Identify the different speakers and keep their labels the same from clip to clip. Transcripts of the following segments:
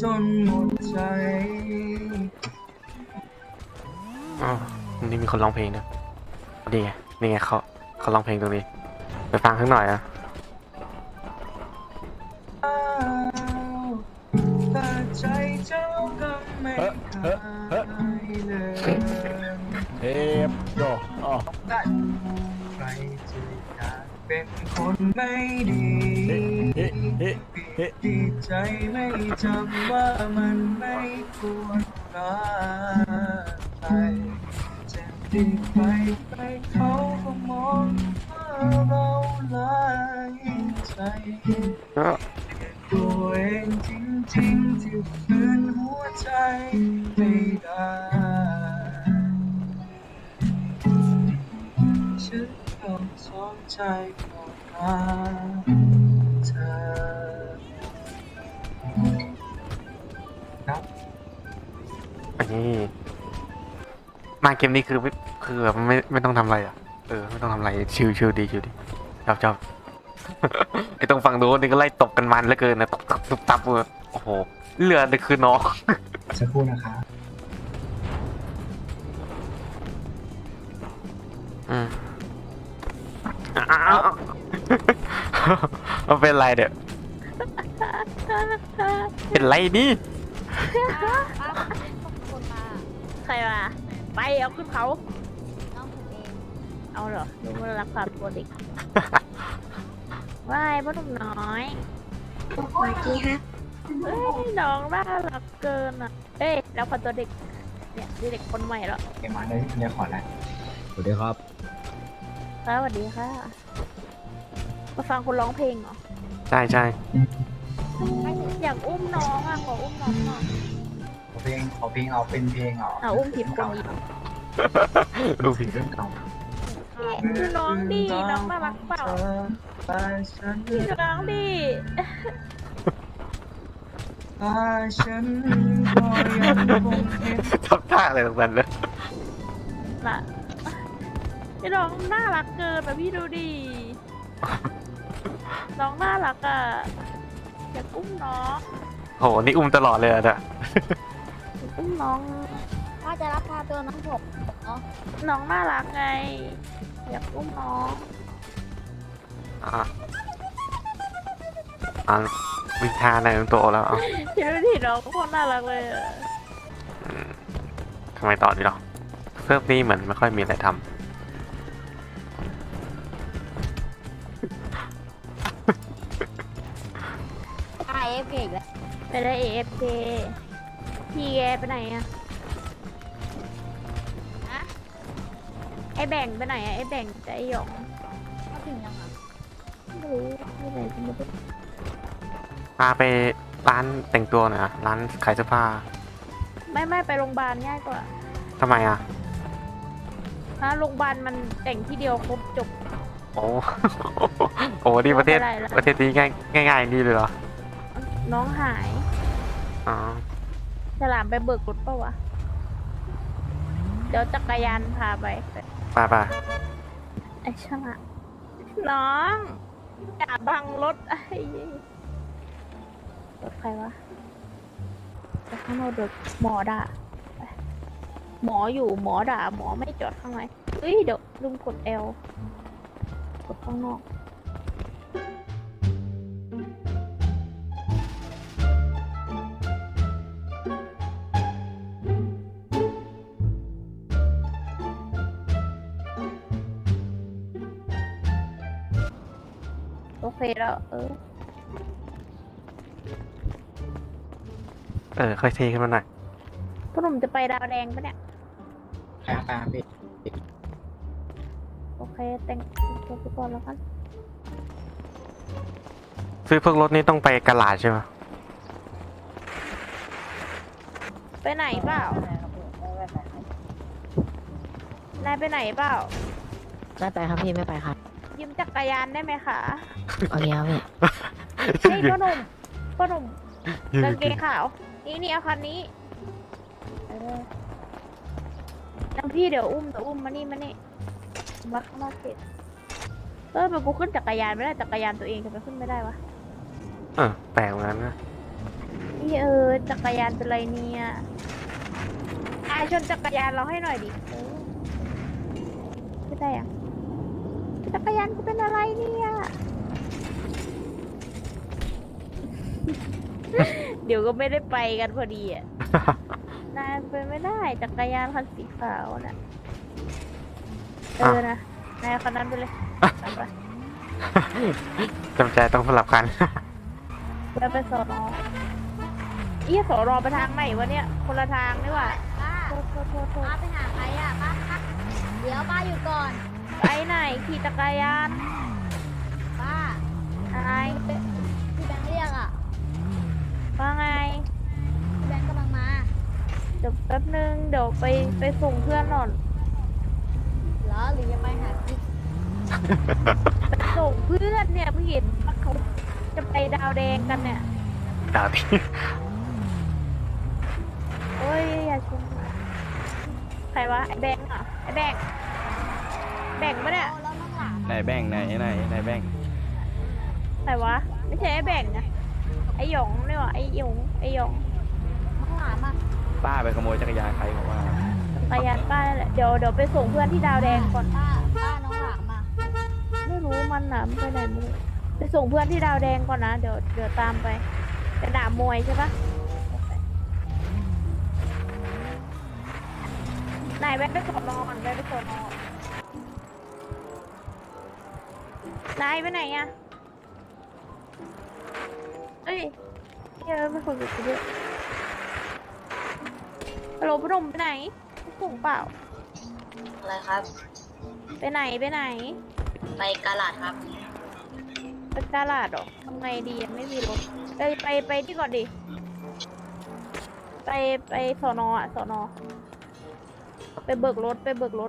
Speaker 1: จนหมดใจ
Speaker 2: อ๋อนี่มีคนร้องเพลงนะนี่ไงนี่ไงเขาร้องเพลงตรงนี้ไปฟังข้างหน่อยอะ
Speaker 1: แต่ใจเจ้าก็ไม่เคยเลย
Speaker 3: เทปโยอ๋อ
Speaker 1: ใครจะอยากเป็นคนไม่ดีดีใจไม่จำว่ามันไม่ควรรักใครจะดีไปเขาก็มองว่าเราหลายใจตัวเองจริงๆที่ฝืนหัวใจไม่ได้ฉันต้องสนใจของเธอครับ
Speaker 2: อันนี้มาเกมนี้คือแบบไม่ต้องทำอะไรอ่ะไม่ต้องทำอะไรชิวดีชอบ ไอ้ตรงฝั่งโน้นนี่ก็ไล่ตบกันมันเหลือเกินนะตบตับเลยโอ้โหเรือนี่คือน้อง
Speaker 1: สักครู่นะคะ
Speaker 2: มันเป็นไรเดี๋ยเป็นไรนี่
Speaker 4: ใครมาไปเอาขึ้นเขา
Speaker 5: น้องผมเอง
Speaker 4: เอาเหรอดูมันรักษาตัวเด็กว่ายพ่อหนุ่มน้อย
Speaker 5: สวัสดีครับ
Speaker 4: เอ้ยน้องน่ารักเกินอ่ะเอ้ยแล้วพอตัวเด็กเนี่ยเด็กคนใหม่แล้ว
Speaker 1: เกมมาได้ขอแล้ว
Speaker 3: สวัสดีครับ
Speaker 4: สวัสดีค่ะมาฟังคุณร้องเพลงเหรอ
Speaker 2: ใช่
Speaker 4: อยากอุ้มน้องอ่ะขออุ้มน้องหน่อย
Speaker 1: ขอเพลงเอาเป็นเพลง
Speaker 4: อุ้มผิดคนอีก
Speaker 2: ดูผิด
Speaker 1: เรื่องเก่า
Speaker 4: คือน้องดีน้องน่ารักเปล่าคือน้องดี
Speaker 1: ฉันก็ยังคงเห็น
Speaker 2: ทำท่าอะไรตรงนั้นเลย
Speaker 4: น่ะพี่น้องน่ารักเกินแบบพี่ดูดิน้องน่ารักอ่ะอยากอุ้มน้อง
Speaker 2: โหนี่อุ้มตลอดเลยอะ
Speaker 4: อุ้มน้อง
Speaker 5: พ่อจะรับพาตัวน้องผมเนาะ
Speaker 4: น้องน่ารักไงอยากอุ้มน้อง
Speaker 2: วิชาในตัวแล้ว
Speaker 4: พี่ดูดิน้องโคตรน่ารักเลย
Speaker 2: ทำไมต่อดีหรอเซิร์ฟนี้เหมือนไม่ค่อยมีอะไรทำ
Speaker 5: AFK อีกแล้ว
Speaker 4: ไปได้ AFK พี่แกไปไหนอะไอแบ่งไปไหนอะไอแบ่งกับไอหยอง
Speaker 5: มาถึงยังอ่ะ
Speaker 4: ไม่รู้ไม่ไหนจะมาดู
Speaker 2: พาไปร้านแต่งตัวหน่อยนะร้านขายเสื้อผ้า
Speaker 4: ไม่ไปโรงพยาบาลง่ายกว่า
Speaker 2: ทำไมอ่ะ
Speaker 4: โรงพยาบาลมันแต่งที่เดียวครบจบ
Speaker 2: โอ้นี่ประเทศนี้ง่ายนี่เลยเหรอ
Speaker 4: น้องหายฉลามไปเบิกรถป่าวะเดี๋ยวจักรยานพาไปไอ้ฉลามน้องอย่าบังรถไอ้รถใครวะแต่ข้างนอกเดี๋ยวหมอด่าหมออยู่หมอด่าหมอไม่จอดข้างในเฮ้ยเดี๋ยวลืมกด L กดข้างนอกโอเคแล้ว
Speaker 2: ค่อยเทขึ้นมาหน่อย
Speaker 4: พ่อหนุ่มจะไปดาวแดงปะเนี่ย
Speaker 1: ไปพี่
Speaker 4: โอเคแต่งตัวไปก่อนแล้วกัน
Speaker 2: ซื้อพวกรถนี่ต้องไปกะลาดใช่ไหม
Speaker 4: ไปไหนเปล่านายไปไหนเปล่า
Speaker 5: ไม่ไปครับพี่ไม่ไปครับ
Speaker 4: ยืมจักรยานได้ไหมคะ
Speaker 5: โอเคครับพี่
Speaker 4: นี่พ่อหนุ่มกางเกงขาวนี่เอาคันนี้น้ำพี่เดี๋ยวอุ้มมานี่มาข้างนอกเสร็จมันกูขึ้นจักรยานไม่ได้จักรยานตัวเองทำไมขึ้นไม่ได้วะ
Speaker 2: แปลกเหมือนกันนะ
Speaker 4: พี่จักรยานเป็นไรเนี่ยชนจักรยานเราให้หน่อยดิไม่ได้อะจักรยานกูเป็นอะไรเนี่ย เดี๋ยวก็ไม่ได้ไปกันพอดีอ่ะ นายไปไม่ได้จักรยานคันสีขาวน่ะนะนายคันนั้นไปเลยไป
Speaker 2: จำใจต้องสลับกัน
Speaker 4: ไปสอนอสอนอไปทางไหนวะเนี่ยคนละทางนี่หว่า
Speaker 5: ป้า
Speaker 4: โทษ
Speaker 5: ป้าไปหาใครอ่ะป้าเดี๋ยวป้าอยู่ก่อน
Speaker 4: ไปไหนขี่จักรยาน
Speaker 5: ป้า
Speaker 4: อะไร
Speaker 5: พี่แบงค์เรียกอ่ะ
Speaker 4: ว่าไง
Speaker 5: พี่แบงค์กำลังมา
Speaker 4: เดี๋ยวแป๊บนึงเดี๋ยวไปส่งเพื่อนหน่อย
Speaker 5: เหรอหรือยังไปหาพี่
Speaker 4: ไปส่งเพื่อนเนี่ยพี่เห็นว่าเขาจะไปดาวแดงกันเนี่ย
Speaker 2: ดาวที่
Speaker 4: โอ้ยอย่าชนใครวะไอ้แบงค์เหรอไอ้แบงค์ปะเนี่ย
Speaker 5: แล้วน้องหลาน
Speaker 3: ไหนแบ่งไหนแบ่ง
Speaker 4: ใครวะไม่ใช่ไอ้แบงค์นะไอ้หยงนี่หว่าไอ้หยง
Speaker 5: น้องหลานมา
Speaker 3: ป้าไปขโมยจักรยานใครบอกว่า
Speaker 4: จักรยานป้านั่นแหละเดี๋ยวไปส่งเพื่อนที่ดาวแดงก่อน
Speaker 5: ป้าน้องหลานมา
Speaker 4: ไม่รู้มันหนามนไปไหนไม่รู้ไปส่งเพื่อนที่ดาวแดงก่อนนะเดี๋ยวตามไปจะด่ามวยใช่ปะไหนแวะไปสอนอก่อนแวะไปสอนอนายไปไหนอะเอ้ยไม่คนไปด้วยฮัลโหลพนมไปไหนส่งเปล่า
Speaker 6: อะไรครับ
Speaker 4: ไปไหน
Speaker 6: ไปกาลาดครับ
Speaker 4: ไปตลาดเหรอทำไงดียังไม่มีรถไปที่ก่อนดิไปสอนอะสอนอไปเบิกรถ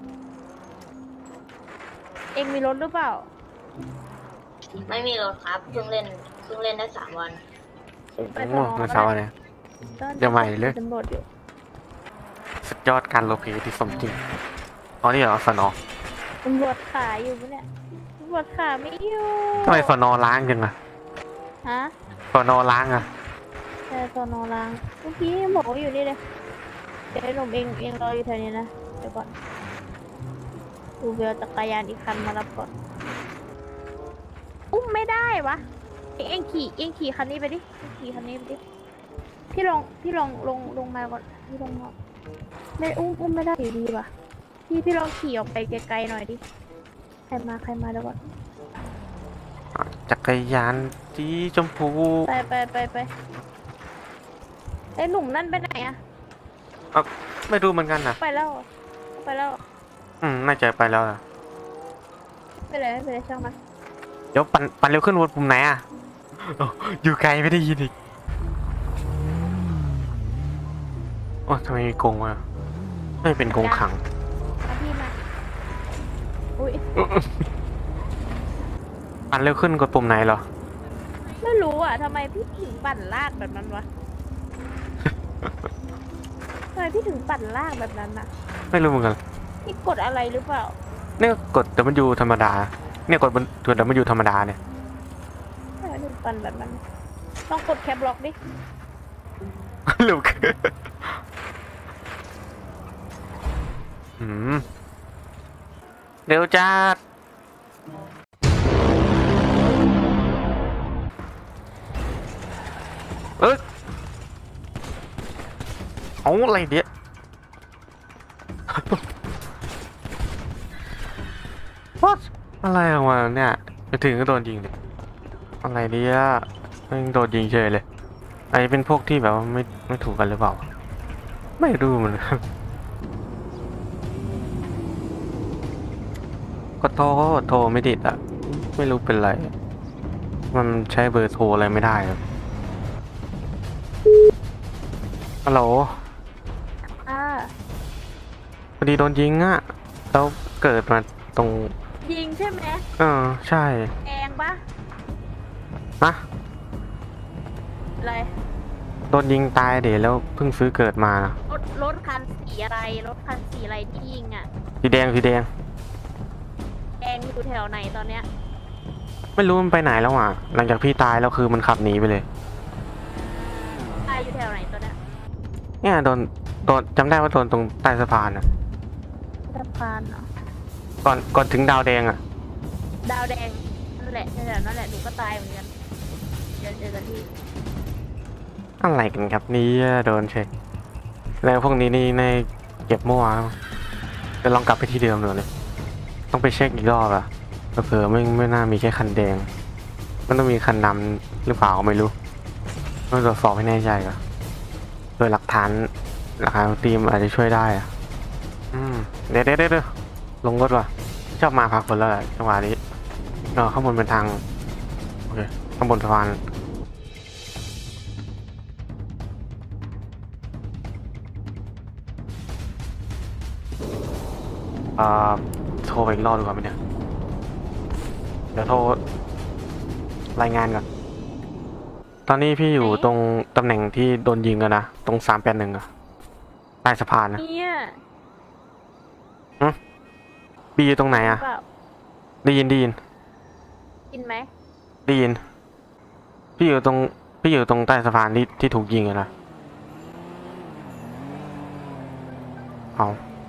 Speaker 4: เองมีรถหรือเปล่า
Speaker 6: ไม่มีรถครับเพิ่งเล่นได้3 วัน
Speaker 2: โอ้โหมันเช้าเนี่ย เดี๋ยวใหม่เลย
Speaker 4: ตำรวจอยู่
Speaker 2: สุดยอดการโลเพที่สมจริงอ๋อนี่เหรอสนอ
Speaker 4: ตำรวจขาอยู่ปะเนี่ยตำรวจขาไม่อยู่
Speaker 2: ทำไมสนอล้างจังอะ
Speaker 4: ฮะ
Speaker 2: สนอล้างอะ
Speaker 4: แต่สอนอล้างเมื่อกี้หมออยู่นี่เลยเดี๋ยวไอ้หนุ่มเองรออยู่แถวนี้นะเดี๋ยวก่อนดูเวลจักรยานอีกคันมารับก่อนอุ้มไม่ได้วะเองขี่คันนี้ไปดิขี่คันนี้ไปดิพี่ลองมาก่อนพี่ลงมาไม่อุ้มไม่ได้อยู่ดีวะพี่ลองขี่ออกไปไกลๆหน่อยดิใครมาเดี๋ยวก่อน
Speaker 2: จักรยานสีชมพู
Speaker 4: ไปไอ้หนุ่มนั่นไปไหนอะ
Speaker 2: ไม่รู้เหมือนกันนะ
Speaker 4: ไปแล้ว
Speaker 2: น่าจะไปแล้วนะ
Speaker 4: ไม่เป็นไรช่างมัน
Speaker 2: เดี๋ยวปั่นเร็วขึ้นวนปุ่มไหนอะโอ้อยู่ไกลไม่ได้ยินอีกโอ้ทำไมมีกรงวะไม่เป็นกรงขัง
Speaker 4: มาพี่มาอุ้ย
Speaker 2: ปั่นเร็วขึ้นกดปุ่มไหนเหรอ
Speaker 4: ไม่รู้อ่ะทำไมพี่ถึงปั่นลากแบบนั้นวะ ทำไมพี่ถึงปั่นลากแบบนั้นน่ะ
Speaker 2: ไม่รู้เหมือนกัน
Speaker 4: พี่กดอะไรหรือเปล่า
Speaker 2: เนี่ยกดแต่มันอยู่ธรรมดา เนี่ยกดแต่มันอยู่ธรรมดาเนี่ย
Speaker 4: ทำไมถึงปั่นแบบนั้น ต้องกดแคปล็อกดิ
Speaker 2: ลูกเร็วจ้าเอาอะไรเดี๋ยว What อะไรออกมาเนี่ยไปถึงก็โดนยิงเลยอะไรเดี๋ยวมันโดนยิงเฉยเลยไอเป็นพวกที่แบบว่าไม่ถูกกันหรือเปล่าไม่รู้เหมือนกันก็โทรไม่ติดอ่ะไม่รู้เป็นไรมันใช้เบอร์โทรอะไรไม่ได้ครับฮัลโหล พอดีโดนยิงอ่ะแล้วเกิดมาตรง
Speaker 4: ยิงใช่ไหม
Speaker 2: ใช่
Speaker 4: แดงปะ
Speaker 2: นะ
Speaker 4: อะไร
Speaker 2: โดนยิงตายเดี๋ยวแล้วเพิ่งซื้อเกิดมานะ
Speaker 4: รถคันสีอะไรที่ยิงอ่ะ
Speaker 2: สีแดง
Speaker 4: แดงอยู่แถวไหนตอนเนี้ย
Speaker 2: ไม่รู้มันไปไหนแล้วอ่ะหลังจากพี่ตายแล้วคือมันขับหนีไปเลย
Speaker 4: ตายอยู่แถวไหนตัวเนี้ย
Speaker 2: เนี่ยโดนจำได้ว่าโดนตรงใต้สะพานอ่ะ
Speaker 4: สะพานเหรอ
Speaker 2: ก่อนถึงดาวแดงอ่ะ
Speaker 4: ดาวแดงนั่นแหละแถวๆนั่นแหละหนูก็ตายเหมือนกันเจอกันที่
Speaker 2: อะไรกันครับนี่โดนเช็คแล้วพวกนี้นี่ในเก็บมั่วจะลองกลับไปที่เดิมเลยต้องไปเช็คอีกรอบอะเผื่อไม่น่ามีแค่คันแดงมันต้องมีคันดำหรือเปล่าไม่รู้ต้องตรวจสอบให้แน่ใจก่อนโดยหลักฐานทีมอาจจะช่วยได้อะเดี๋ยวลงรถว่ะชอบมาพาคนแล้วแหละจังหวะนี้ข้างบนเป็นทางโอเคข้างบนสะพานโทรไปอีกรอบดีกว่าไหมเนี่ยเดี๋ยวโทรรายงานก่อนตอนนี้พี่อยู่ตรงตำแหน่งที่โดนยิงอะนะตรง381อะใต้สะพานนะ
Speaker 4: เนี่ย
Speaker 2: บีอยู่ตรงไหนอะ
Speaker 4: เปล่า
Speaker 2: ได้ยิน
Speaker 4: กินไหม
Speaker 2: ได้ยินพี่อยู่ตรงใต้สะพานที่ถูกยิงอะนะเอา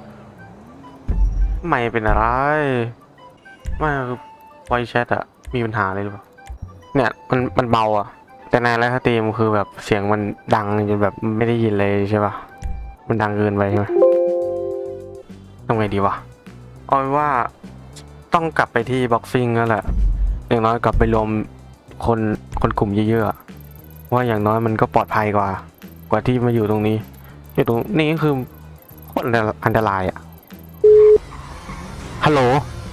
Speaker 2: ไม่เป็นอะไรไม่คือไวแชทอะมีปัญหาอะไรหรือเปล่าเนี่ยมันเบาอะแต่ในไลฟ์สตรีมคือแบบเสียงมันดังจนแบบไม่ได้ยินเลยใช่ปะมันดังเกินไปใช่ไหมทำไงดีวะเอาเป็นว่าต้องกลับไปที่บ็อกซิ่งนั่นแหละอย่างน้อยกลับไปรวมคนกลุ่มเยอะๆว่าอย่างน้อยมันก็ปลอดภัยกว่าที่มาอยู่ตรงนี้อยู่ตรงนี้ก็คือโคตรอันตรายอะฮัลโหล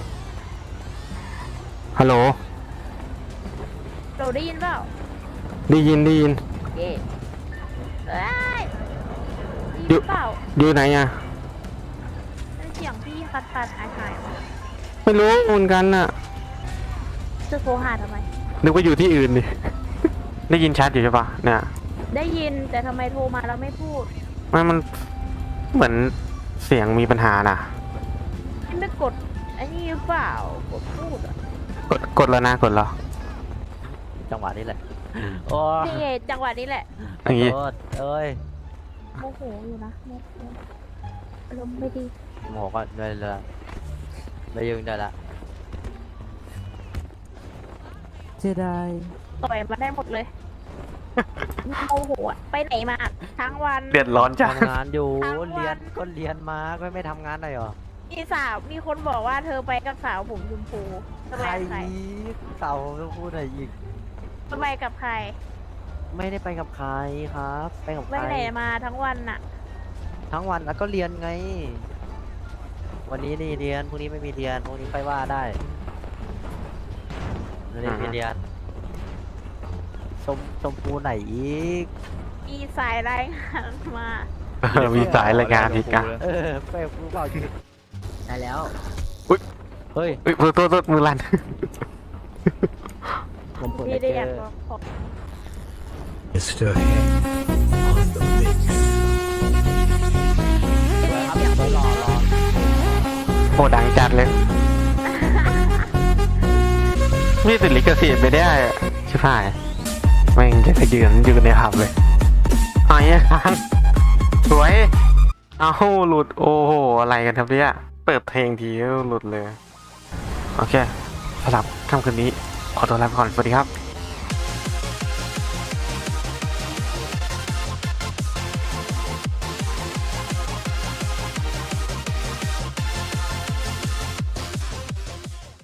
Speaker 4: เราได้ยินเปล่า
Speaker 2: ได้ยิน
Speaker 4: เอ๊ะเอ้ยได้ยินเปล่า
Speaker 2: อยู่ไหนอะ
Speaker 4: นั่นเสียงพี่คัดหายๆมา
Speaker 2: ไม่รู้เหมือนกันอะ
Speaker 4: จะโทรหาทำไม
Speaker 2: นึกว่าอยู่ที่อื่นดิ ได้ยินชัดอยู่ใช่ปะเนี่ย
Speaker 4: ได้ยินแต่ทำไมโทรมาแล้วไม่พูด
Speaker 2: มันเหมือนเสียงมีปัญหาน่ะ
Speaker 4: ไม่กดไอ้นี่หรือเปล่ากดพูดอ่ะ
Speaker 2: กดแล้วนะกดแล้ว
Speaker 3: จังหวะนี้แหละโอ้
Speaker 4: นี่ไงจังหวะนี้แหละ
Speaker 2: อย่างงี้
Speaker 3: โทษเอ้ย
Speaker 4: โมโหอยู่นะโมโหอารมณ์ไม่ดี
Speaker 3: โมโหก็ได้เลยไม่ยืนได้ละ
Speaker 7: เสียดาย
Speaker 4: ต่อยมาได้หมดเลยโมโหอะไปไหนมาทั้งวัน
Speaker 2: เดือดร้อนจ้ะ
Speaker 3: ทำงานอยู่
Speaker 4: ทั้งวัน
Speaker 3: เรียนมาก็ไม่ทำงานหน่อยเหรอ
Speaker 4: มีคนบอกว่าเธอไปกับสาวผมชมพูทำไม
Speaker 3: ใคร
Speaker 4: กับใคร
Speaker 3: อีกเต่าต้องพูดอะไรอีก
Speaker 4: ทำไมกับใคร
Speaker 3: ไม่ได้ไปกับใครครับ ไปกับ
Speaker 4: ไป
Speaker 3: ใคร
Speaker 4: ไหนมาทั้งวันน่ะ
Speaker 3: ทั้งวันแล้วก็เรียนไง วันนี้นี่เรียนพรุ่งนี้ไม่มีเรียนพรุ่งนี้ไปว่าได้วันนี้มีเรียนชมพูไหนอีก
Speaker 4: มีสายรายงานมา
Speaker 2: มีสายรายงานอีกอ่ะ
Speaker 3: ไปรู้เปล่าชื่อได้แล้ว
Speaker 2: อุ๊ย
Speaker 3: เฮ้ย
Speaker 2: โทษมือลั่น
Speaker 3: ผมเปิด
Speaker 4: พี่
Speaker 3: เจ
Speaker 4: ได้อยาก
Speaker 3: อ
Speaker 4: บอกขอ
Speaker 8: Mr. Head on the mix.
Speaker 4: เสียง
Speaker 3: รอ
Speaker 2: โหดังจัดเลยมีติดลิขสิทธิ์ไปได้อะชิบหายแม่งจะไปยืนในผับเลยหายค้างสวยเอาหลุดโอ้โหอะไรกันครับเนี่ยเปิดเพลงทีก็หลุดเลยโอเคสำหรับค่ำคืนนี้ขอตัวลาไปก่อนสวัสดีครับ